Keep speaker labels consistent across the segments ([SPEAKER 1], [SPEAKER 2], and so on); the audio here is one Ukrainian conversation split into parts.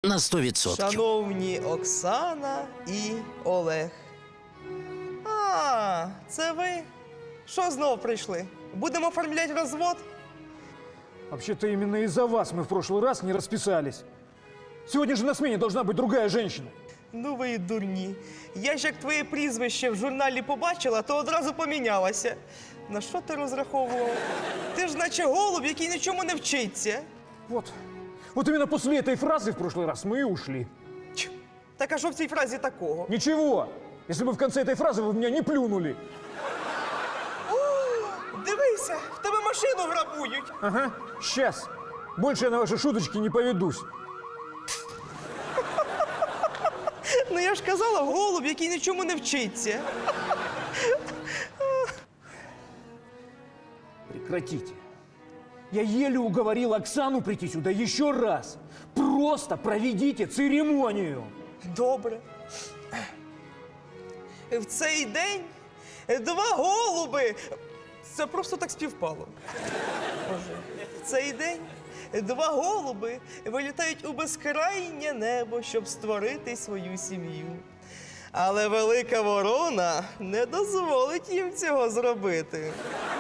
[SPEAKER 1] на 100%.
[SPEAKER 2] Шановні Оксана і Олег. А, це ви? Що знов прийшли? Будемо оформляти розвод?
[SPEAKER 3] Вообще-то именно из-за вас мы в прошлый раз не расписались. Сегодня же на смене должна быть другая женщина.
[SPEAKER 2] Ну ви і дурні. Я ж як твоє прізвище в журналі побачила, то одразу помінялася. На що ти розраховував? Ти ж наче голуб, який нічому не вчиться.
[SPEAKER 3] Вот именно после этой фразы в прошлый раз мы и ушли.
[SPEAKER 2] Тьфу. Так а що в цій фразі такого?
[SPEAKER 3] Ничего, если бы в конце этой фразы вы в меня не плюнули.
[SPEAKER 2] Дивися, в тебе машину грабують.
[SPEAKER 3] Ага, сейчас. Больше я на ваши шуточки не поведусь.
[SPEAKER 2] Ну я ж казала, голуб, який нічому не вчиться.
[SPEAKER 3] Прекратите. Я еле уговорил Оксану прийти сюда еще раз. Просто проведите церемонию.
[SPEAKER 2] Добре. В цей день два голуби. Це просто так співпало. Боже. В цей день два голуби вилітають у безкрайнє небо, щоб створити свою сім'ю. Але велика ворона не дозволить їм цього зробити.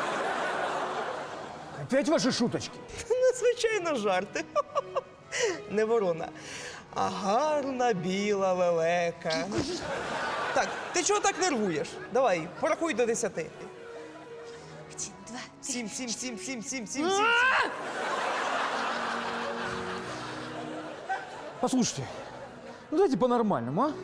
[SPEAKER 3] Опять ваши шуточки?
[SPEAKER 2] Ну, звичайно, жарти. Не ворона, а гарна біла лелека. Так, ти чого так нервуєш? Давай, порахуй до 10.
[SPEAKER 4] 1, 2, 3.
[SPEAKER 2] Сім.
[SPEAKER 3] Послушайте, ну давайте по-нормальному, а?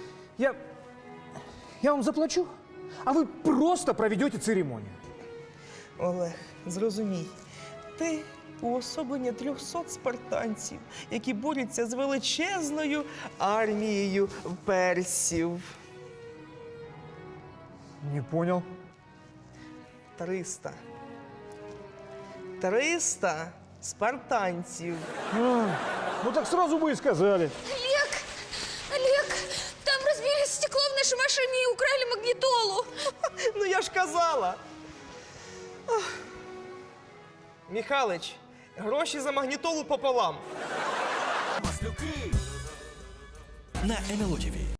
[SPEAKER 3] Я вам заплачу, а вы просто проведете церемонию.
[SPEAKER 2] Олег, зрозумій, ти уособлення 300 спартанців, які борються з величезною армією персів.
[SPEAKER 3] Не понял.
[SPEAKER 2] 300. 300 спартанців.
[SPEAKER 3] Ну так сразу бы и сказали.
[SPEAKER 4] Олег, там разбили стекло в нашей машине и украли магнитолу.
[SPEAKER 2] Ну я ж казала. Ах. Михалич, гроші за магнітолу пополам.
[SPEAKER 1] На НЛО ТВ.